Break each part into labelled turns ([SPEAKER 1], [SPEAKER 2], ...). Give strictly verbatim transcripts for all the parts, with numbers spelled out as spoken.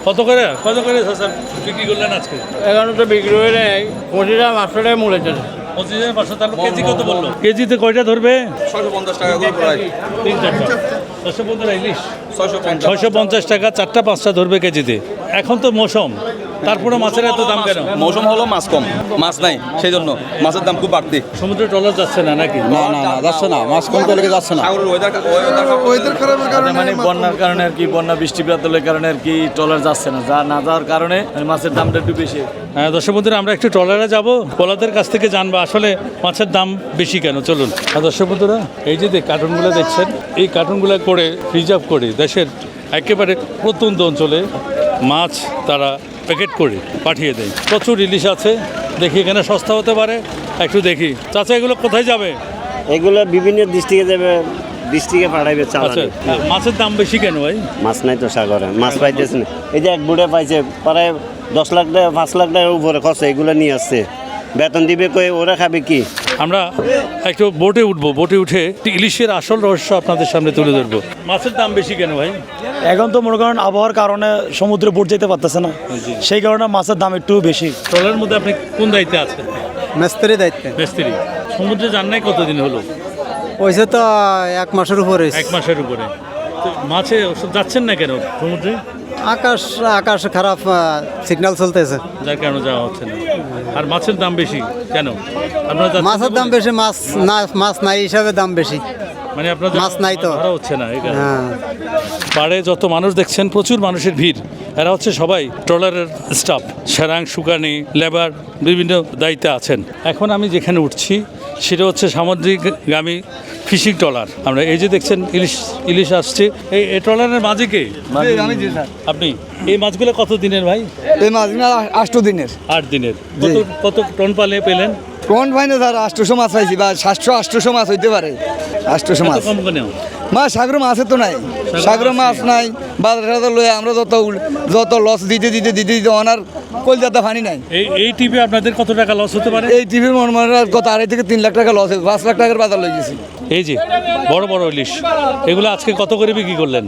[SPEAKER 1] কত করে কত করে স্যার বিক্রি করলেন আজকে?
[SPEAKER 2] এখানে তো বিক্রি হয়ে নেই পঁচিশ হাজার পাঁচশো টাকা মূল্য চলে।
[SPEAKER 1] পঁচিশ হাজার পাঁচশো, তাহলে কেজি কত বললো? কেজিতে কয়টা ধরবে?
[SPEAKER 3] ছয়শো পঞ্চাশ টাকা করে প্রায়
[SPEAKER 1] তিন চারটা ছশো পনেরো ইলিশ
[SPEAKER 3] ছয়শো পঞ্চাশ
[SPEAKER 1] ছয়শো পঞ্চাশ টাকা চারটা পাঁচটা ধরবে কেজিতে। এখন তো মৌসুম, তারপরে মাছের এত দাম কেন?
[SPEAKER 3] মৌসুম হলো মাছ কম, মাছ নাই, সেই জন্য মাছের দাম খুব বাড়তি।
[SPEAKER 1] সমুদ্রে ট্রলার যাচ্ছে না নাকি?
[SPEAKER 4] না না না যাচ্ছে না, মাছ কম করে যাচ্ছে না।
[SPEAKER 3] সাগরের ওয়েদার ওয়েদার খারাপের কারণে
[SPEAKER 5] মানে বন্যার কারণে আর কি, বন্যা বৃষ্টিপাতের কারণে আর কি ট্রলার যাচ্ছে না, যা না যাওয়ার কারণে মাছের দামটা একটু বেশি।
[SPEAKER 1] হ্যাঁ দর্শক বন্ধুরা, আমরা একটু ট্রলারে যাবো, পোলাদের কাছ থেকে জানবো আসলে মাছের দাম বেশি কেন। চলুন। আর দর্শক বন্ধুরা, এই যে কার্টুনগুলো দেখছেন, এই কার্টুনগুলো করে রিজার্ভ করে দেশের একেবারে প্রত্যন্ত অঞ্চলে মাছ তারা প্যাকেট করে পাঠিয়ে দেয়। প্রচুর ইলিশ আছে, দেখি এখানে সস্তা হতে পারে, একটু দেখি। চাচা এগুলো কোথায় যাবে?
[SPEAKER 6] এগুলো বিভিন্ন ডিস্ট্রিক্টে যাবে, ডিস্ট্রিক্টে পাঠাইবে
[SPEAKER 1] আচ্ছা,
[SPEAKER 6] চালানে।
[SPEAKER 1] মাছের দাম বেশি কেন ভাই?
[SPEAKER 6] মাছ নাই তো সাগরে, মাছ পাইতেছে না। এই যে এক বুড়ে পাইছে প্রায় দশ লাখ টাকা পাঁচ লাখ টাকার উপরে খরচ, এগুলো নিয়ে আসছে। বেতন দিবে কই, ওরা খাবে কি?
[SPEAKER 1] আমরা একটু বোটে উঠবো, বোটে উঠে ইলিশের আসল রহস্য আপনাদের সামনে তুলে ধরবো। মাছের দাম বেশি কেন ভাই?
[SPEAKER 5] এখন তো মনে করেন আবহাওয়ার কারণে সমুদ্রে বোট যেতে পারতেছে না, সেই কারণে মাছের দাম একটু বেশি।
[SPEAKER 1] ট্রলারের মধ্যে আপনি কোন দায়িত্বে আছেন?
[SPEAKER 7] মিস্ত্রি দায়িত্বে।
[SPEAKER 1] মিস্ত্রি। সমুদ্রে যান নাই কতদিন হলো?
[SPEAKER 7] হয়েছে তো এক মাসের উপরে।
[SPEAKER 1] এক মাসের উপরে। তো মাছে ওসব যাচ্ছেন না কেন সমুদ্রে?
[SPEAKER 7] আকাশ আকাশ খারাপ, সিগন্যাল চলতেছে,
[SPEAKER 1] যার কারণে যাওয়া হচ্ছে না। আর মাছের দাম বেশি কেন? আপনারা যাচ্ছেন
[SPEAKER 7] মাছের
[SPEAKER 1] না
[SPEAKER 7] দাম
[SPEAKER 1] বলে?
[SPEAKER 7] বেশি, মাছ না, মাছ নাই হিসাবে দাম বেশি।
[SPEAKER 1] মানে আপনার
[SPEAKER 7] মাছ নাই তো।
[SPEAKER 1] ধরা হচ্ছে না এই কারণে।
[SPEAKER 7] হ্যাঁ,
[SPEAKER 1] পাড়ে যত মানুষ দেখছেন, প্রচুর মানুষের ভিড়। এরা হচ্ছে সবাই ট্রলারের স্টাফ, সেরাং, শুকানি, লেবার, বিভিন্ন দায়িত্বে আছেন। এখন আমি যেখানে উঠছি সেটা হচ্ছে সামুদ্রিকগামী ফিশিং ট্রলার। আমরা এই যে দেখছেন ইলিশ ইলিশ আসছে, এই এই ট্রলারের মাঝে কে?
[SPEAKER 4] আমি জি স্যার,
[SPEAKER 1] আপনি। এই মাছগুলো কত দিনের ভাই?
[SPEAKER 4] এই মাছগুলো আষ্ট দিনের।
[SPEAKER 1] আট দিনের। কত কত টন পালে পেলেন?
[SPEAKER 4] কোন পাইনি স্যার, আষ্টশো মাছ পাইছি, বা সাতশো আষ্টশো মাছ হইতে পারে। আষ্টশো
[SPEAKER 1] এত
[SPEAKER 4] মাছ
[SPEAKER 1] কম কেন?
[SPEAKER 4] মাছ সাগর মাছের তো নাই, সাগর মাছ নাই। বাজার সাজার লয়ে আমরা যত যত লস দিতে দিতে দিতে দিতে অনার কলকাতা পানি নাই।
[SPEAKER 1] এই এই টিপে আপনাদের কত টাকা লস হতে পারে?
[SPEAKER 4] এই টিভির মন মনে কত আড়াই থেকে তিন লাখ টাকা লস হয়েছে, পাঁচ লাখ টাকার বাজার লয়ে গেছি।
[SPEAKER 1] এই যে বড় বড় ইলিশ, এগুলো আজকে কত করে বিক্রি করলেন?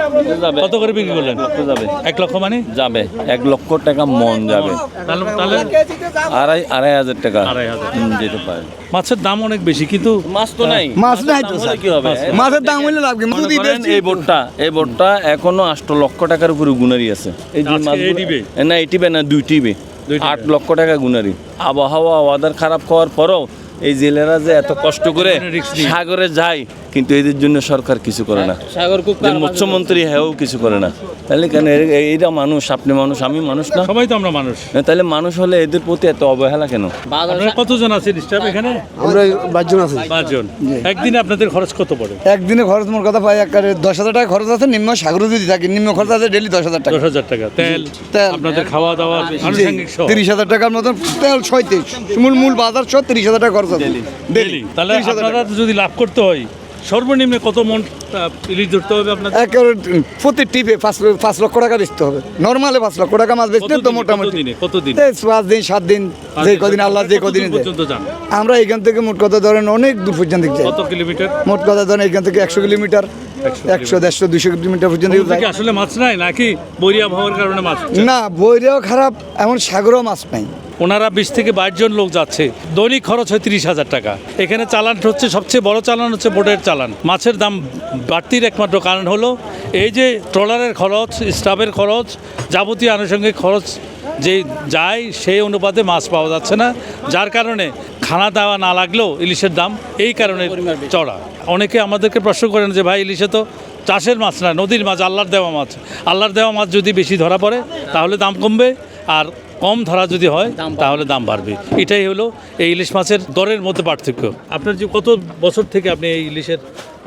[SPEAKER 1] কত করে বিক্রি করলেন?
[SPEAKER 5] যাবে
[SPEAKER 1] এক লক্ষ মানে
[SPEAKER 5] যাবে এক লক্ষ টাকা মন যাবে,
[SPEAKER 1] তাহলে তাহলে
[SPEAKER 5] আড়াই আড়াই হাজার টাকা
[SPEAKER 1] আড়াই হাজার।
[SPEAKER 5] হুম, যেতে পারে।
[SPEAKER 1] মাছের দাম অনেক বেশি, কিন্তু
[SPEAKER 5] মাছ তো নাই,
[SPEAKER 4] মাছ নাই তো স্যার,
[SPEAKER 5] কি হবে?
[SPEAKER 4] মাছের দাম হইলে লাভ কি?
[SPEAKER 5] মনে
[SPEAKER 4] যদি
[SPEAKER 5] করেন
[SPEAKER 4] বেশি-
[SPEAKER 5] এই বোটটা এই বোটটা এখনো আষ্ট লক্ষ টাকার উপরে গুনারি আছে। এই যে
[SPEAKER 1] আজকে
[SPEAKER 5] মাছগুলো-
[SPEAKER 1] এই টিবে?
[SPEAKER 5] না এই টিবে না, দুই টিবে
[SPEAKER 1] দুই টিবে।
[SPEAKER 5] আট লক্ষ টাকা গুনারি। আবহাওয়া ওয়াদার খারাপ হওয়ার পরও এই জেলেরা যে এত কষ্ট করে
[SPEAKER 1] রিস্ক নিয়ে।
[SPEAKER 5] সাগরে যায়, কিন্তু এদের জন্য সরকার কিছু করে না।
[SPEAKER 1] সাগর খুব
[SPEAKER 5] যে মুখ্যমন্ত্রী হ্যাও কিছু করে না। তাহলে কেন এর- এইটা মানুষ, আপনি মানুষ, আমি মানুষ না?
[SPEAKER 1] সবাই তো আমরা মানুষ।
[SPEAKER 5] না, তাহলে মানুষ হলে এদের প্রতি এত অবহেলা কেন?
[SPEAKER 1] আপনারা কতজন আছেন স্টাফ এখানে?
[SPEAKER 4] আমরা পাঁচজন আছি।
[SPEAKER 1] পাঁচজন। একদিনে আপনাদের খরচ কত পড়ে?
[SPEAKER 4] একদিনে খরচ মোর কথা পাই একারে দশ হাজার টাকা খরচ আছে, নিম্ন সাগর যদি থাকে নিম্ন খরচ আছে ডেলি দশ হাজার টাকা।
[SPEAKER 1] দশ হাজার টাকা তেল,
[SPEAKER 4] তেল।
[SPEAKER 1] আপনাদের খাওয়া দাওয়া আনুষঙ্গিক সহ
[SPEAKER 4] তিরিশ হাজার টাকার মতন তেল, ছয়ত্রিশ মূল মূল বাজার সহ তিরিশ হাজার টাকা খরচ আছে
[SPEAKER 1] ডেলি। তাহলে
[SPEAKER 4] তিরিশ হাজার
[SPEAKER 1] আপনারা যদি লাভ করতে হয় সর্বনিম্ন কত মন আহ, ইলিশ ধরতে হবে আপনাদের?
[SPEAKER 4] একেবারে প্রতি টিপে পাঁচ পাঁচ লক্ষ টাকা বেচতে হবে। নর্মালে পাঁচ লক্ষ টাকা মাছ বেচতে তো
[SPEAKER 1] কতদিনে-
[SPEAKER 4] মোটামুটি
[SPEAKER 1] কতদিনে? কতদিন?
[SPEAKER 4] এই পাঁচ দিন সাত দিন, যে কদিন আল্লাহ যে কদিন
[SPEAKER 1] কতদূর পর্যন্ত যান?
[SPEAKER 4] আমরা এখান থেকে মোট কথা ধরেন অনেক দূর পর্যন্ত যাই।
[SPEAKER 1] কত কিলোমিটার?
[SPEAKER 4] মোট কথা ধরেন এখান থেকে একশো কিলোমিটার, একশো দেড়শো দুইশো কিলোমিটার পর্যন্ত
[SPEAKER 1] সমুদ্রে
[SPEAKER 4] যাই।
[SPEAKER 1] কি আসলে মাছ নাই নাকি বৈরী আবহাওয়ার কারণে মাছ হচ্ছে?
[SPEAKER 4] না বইরেও খারাপ, এমন সাগরেও মাছ নাই।
[SPEAKER 1] ওনারা বিশ থেকে বাইশ জন লোক যাচ্ছে, দৈনিক খরচ হয় তিরিশ হাজার টাকা। এখানে চালান হচ্ছে, সবচেয়ে বড় চালান হচ্ছে বোটের চালান। মাছের দাম বাড়তির একমাত্র কারণ হলো এই যে ট্রলারের খরচ, স্টাফের খরচ, যাবতীয় আনুষঙ্গিক খরচ যে যায় সেই অনুপাতে মাছ পাওয়া যাচ্ছে না, যার কারণে খানা দাওয়া না লাগলেও ইলিশের দাম এই কারণে চড়া। অনেকে আমাদেরকে প্রশ্ন করেন যে ভাই ইলিশে তো চাষের মাছ না, নদীর মাছ, আল্লাহর দেওয়া মাছ। আল্লাহর দেওয়া মাছ যদি বেশি ধরা পড়ে তাহলে দাম কমবে, আর কম ধরা যদি হয় তাহলে দাম বাড়বে। এটাই হলো এই ইলিশ মাছের দরের মধ্যে পার্থক্য। আপনার যে কত বছর থেকে আপনি এই ইলিশের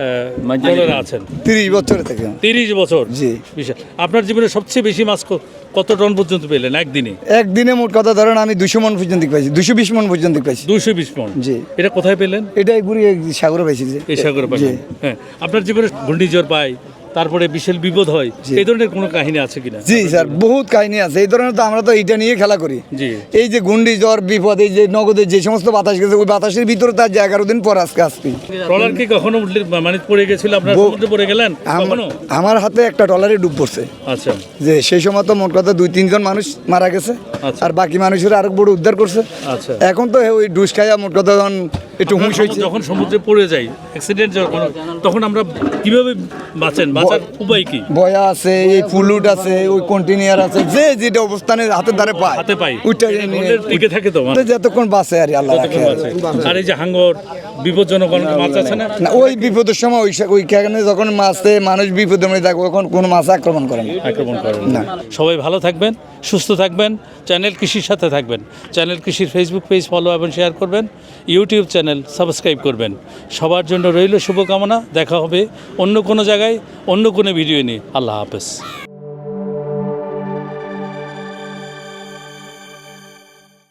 [SPEAKER 1] ট্রলারে আছেন?
[SPEAKER 4] তিরিশ বছর থেকে।
[SPEAKER 1] তিরিশ বছর।
[SPEAKER 4] জি।
[SPEAKER 1] বিশাল। আপনার জীবনে সবচেয়ে বেশি মাছ ক- কত টন পর্যন্ত পেলেন একদিনে?
[SPEAKER 4] একদিনে মোট কথা ধরেন আমি দুশো মন পর্যন্ত পাইছি, দুশো বিশ মন পর্যন্ত পাইছি।
[SPEAKER 1] দুইশো বিশ মন।
[SPEAKER 4] জি।
[SPEAKER 1] এটা কোথায় পেলেন?
[SPEAKER 4] এটাই ঘুরি সাগরে পাইছি যে।
[SPEAKER 1] এই সাগরে
[SPEAKER 4] জি।
[SPEAKER 1] পাশেন। হ্যাঁ, আপনার জীবনে ঘূর্ণিঝড় পাই, তারপরে বিশাল বিপদ হয়, এই ধরনের কোনো কাহিনী আছে কিনা?
[SPEAKER 4] জি স্যার, বহুত কাহিনী আছে এই ধরনের। তো আমরা তো এইটা নিয়ে খেলা করি।
[SPEAKER 1] জি।
[SPEAKER 4] এই যে গুন্ডি জ্বর বিপদ, এই যে নগদের যে সমস্ত বাতাস গেছে, ওই বাতাসের ভিতরে তার যে এগারো দিন পর আজকে আসবি।
[SPEAKER 1] ট্রলার কি কখনো উঠলে মানে পড়ে গেছিল, আপনার
[SPEAKER 4] বহু-
[SPEAKER 1] সমুদ্রে পড়ে গেলেন
[SPEAKER 4] আমার-
[SPEAKER 1] কখনো?
[SPEAKER 4] আমার হাতে একটা ট্রলারে ডুব পড়ছে,
[SPEAKER 1] আচ্ছা
[SPEAKER 4] যে সেই সময় তো মোট কথা দুই তিনজন মানুষ মারা গেছে,
[SPEAKER 1] আচ্ছা।
[SPEAKER 4] আর বাকি মানুষের আরেক বড় উদ্ধার করছে।
[SPEAKER 1] আচ্ছা।
[SPEAKER 4] এখন তো ওই ডুস খাইয়া মোট কথা যখন একটু হুঁশ হয়েছে।
[SPEAKER 1] যখন সমুদ্রে পড়ে যাই অ্যাক্সিডেন্ট যখন, তখন আমরা কিভাবে বাঁচেন, বাঁচার উপায় কি?
[SPEAKER 4] বয়া আছে, এই ফুলুট আছে, ওই কন্টিনিউয়ার আছে, যে যেটা অবস্থানে হাতের ধারে পায়
[SPEAKER 1] হাতে পাই
[SPEAKER 4] ওইটা
[SPEAKER 1] হোল্ডের টিকে থাকে তো
[SPEAKER 4] তো যতক্ষণ বাঁচে আর কি, আল্লাহ রাখে আর।
[SPEAKER 1] আর এই যে হাঙ্গর বিপজ্জনক অনেক মাছ আছে না,
[SPEAKER 4] না, ওই বিপদের সময় ওই ওইখানে যখন মাছে মানুষ বিপদের মধ্যে থাকে, তখন কোনো মাছ আক্রমণ করে না।
[SPEAKER 1] আক্রমণ করেন
[SPEAKER 4] না।
[SPEAKER 1] সবাই ভালো থাকবেন, সুস্থ থাকবেন, চ্যানেল কৃষির সাথে থাকবেন। চ্যানেল কৃষির ফেসবুক পেজ ফলো এবং শেয়ার করবেন, ইউটিউব চ্যানেল সাবস্ক্রাইব করবেন। সবার জন্য রইল শুভকামনা। দেখা হবে অন্য কোনো জায়গায় অন্য কোনো ভিডিও নিয়ে। আল্লাহ হাফেজ।